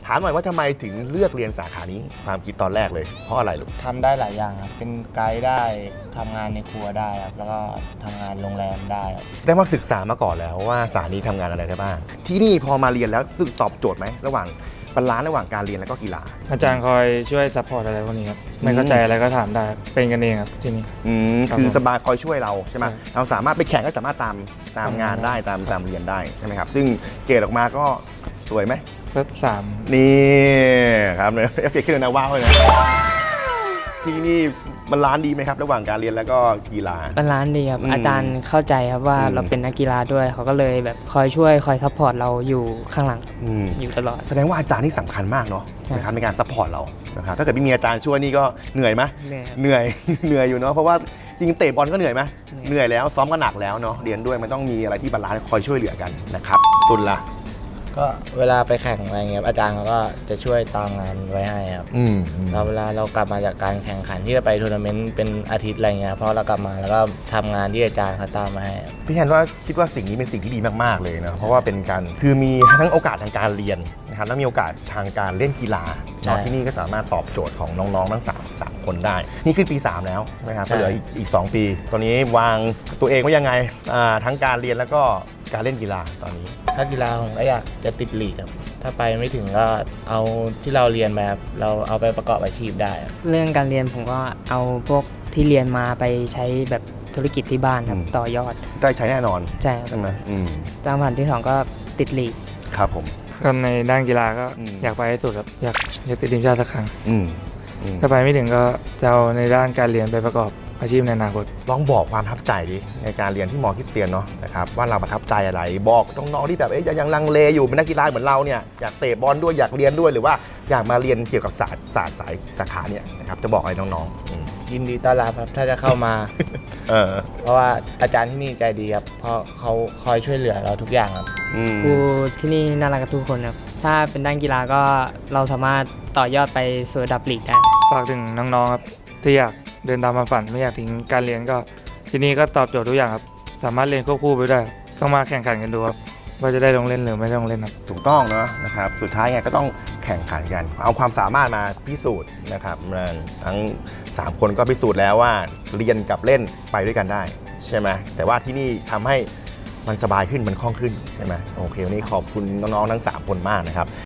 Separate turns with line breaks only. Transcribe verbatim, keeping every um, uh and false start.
ถามหน่อยว่าทำไมถึงเลือกเรียนสาขานี้ความคิดตอนแรกเลยเพราะอะไรลูก
ทำได้หลายอย่างครับเป็นไกด์ได้ทำงานในครัวได้ครับแล้วก็ทำงานโรงแรมได้ครับ
แสดงว่าศึกษามาก่อนแล้วว่าสาขานี้ทำงานอะไรได้บ้างที่นี่พอมาเรียนแล้วสึกตอบโจทย์ไหมระหว่างบาลานซ์ระหว่างการเรียนแล้วก็กีฬา
อาจารย์คอยช่วยซัพพอร์ตอะไรพวกนี้ครับไม่เข้าใจอะไรก็ถามได้เป็นกันเองครับที่นี่
อืมคือสบายคอยช่วยเราใช่ไหมเราสามารถไปแข่งก็สามารถตามตามงานได้ตามตามเรียนได้ใช่ไหมครับซึ่งเกรดออกมาก็สวยไหม
ก็สาม
นี่ครับเนี่ยเอฟเฟกต์ขึ้นเลยนะว้าวเลยนะที่นี่มันร้านดีไหมครับระหว่างการเรียนแล้วก็กีฬา
มันร้านดีครับอาจารย์เข้าใจครับว่าเราเป็นนักกีฬาด้วยเขาก็เลยแบบคอยช่วยคอยซัพพอร์ตเราอยู่ข้างหลังอยู่ตลอด
แสดงว่าอาจารย์นี่สำคัญมากเนาะนะครับในการซัพพอร์ตเรานะครับถ้าเกิดไม่มีอาจารย์ช่วยนี่ก็เหนื่อยไหมเหนื่อยเหนื่อยอยู่เนาะเพราะว่าจริงเตะบอลก็เหนื่อยไหมเหนื่อยแล้วซ้อมก็หนักแล้วเนาะเรียนด้วยมันต้องมีอะไรที่บาลานซ์คอยช่วยเหลือกันนะครับตุลละ
ก็เวลาไปแข่งอะไรเงี้ยอาจารย์เขาก็จะช่วยตามงานไว้ให้ครับเราเวลาเรากลับมาจากการแข่งขันที่จะไปทัวร์นาเมนต์เป็นอาทิตย์อะไรเงี้ยพอเรากลับมาแล้วก็ทำงานที่อาจารย์เขาตามมาให้
พี่แทนว่าคิดว่าสิ่งนี้เป็นสิ่งที่ดีมากๆเลยนะเพราะว่าเป็นการคือมีทั้งโอกาสทางการเรียนนะครับแล้วมีโอกาสทางการเล่นกีฬาที่นี่ก็สามารถตอบโจทย์ของน้องๆทั้งสาม สามคนได้นี่ขึ้นปีสามแล้วใช่ไหมครับเหลืออีกอีกสองปีตอนนี้วางตัวเองไว้ยังไงทั้งการเรียนแล้วก็การเล่นกีฬาตอนนี้
ถ้ากีฬาผมก็อยากจะติดลีกครับถ้าไปไม่ถึงก็เอาที่เราเรียนมาเราเอาไปประกอบอาชีพได้
เรื่องการเรียนผมก็เอาพวกที่เรียนมาไปใช้แบบธุรกิจที่บ้านครับต่อยอด
ได้ใช้แน่นอน
ใช่
ใช่ไหม
ตามผ่านที่สองก็ติดลีก
ครับผม
ก็ในด้านกีฬาก็อยากไปให้สุดครับอยากอยากติดทีมชาติสักครั้งถ้าไปไม่ถึงก็จะเอาในด้านการเรียนไปประกอบอาชีพในอนาคต
ลองบอกความประทับใจดิในการเรียนที่มอคริสเตียนเนาะนะครับว่าเราประทับใจอะไรบอกน้องๆที่แบบเอ๊ยยังลังเลอยู่เป็นนักกีฬาเหมือนเราเนี่ยอยากเตะบอลด้วยอยากเรียนด้วยหรือว่าอยากมาเรียนเกี่ยวกับศาสตร์ศาสตร์สายสาขาเนี่ยนะครับจะบอกอะไรน้อง
ๆยินดีต้อนรับครับถ้าจะเข้ามาเพราะว่าอาจารย์ที่นี่ใจดีครับเพราะเขาคอยช่วยเหลือเราทุกอย่างครับ
ครูที่นี่น่ารักกับทุกคนครับถ้าเป็นด้านกีฬาก็เราสามารถต่อยอดไปสู่ระดับลีกได้
ฝากถึงน้องๆครับที่อยากเดินตามความฝันไม่อยากทิ้งการเรียนก็ที่นี่ก็ตอบโจทย์ทุกอย่างครับสามารถเรียนควบคู่ไปได้ต้องมาแข่งขันกันดูครับว่าจะได้ลงเล่นหรือไม่ลงเล่นครับ
ถูกต้องเนาะนะครับสุดท้ายไงก็ต้องแข่งขันกันเอาความสามารถมาพิสูจน์นะครับทั้งสามคนก็พิสูจน์แล้วว่าเรียนกับเล่นไปด้วยกันได้ใช่ไหมแต่ว่าที่นี่ทำให้มันสบายขึ้นมันคล่องขึ้นใช่ไหมโอเควันนี้ขอบคุณน้องๆทั้งสามคนมากนะครับ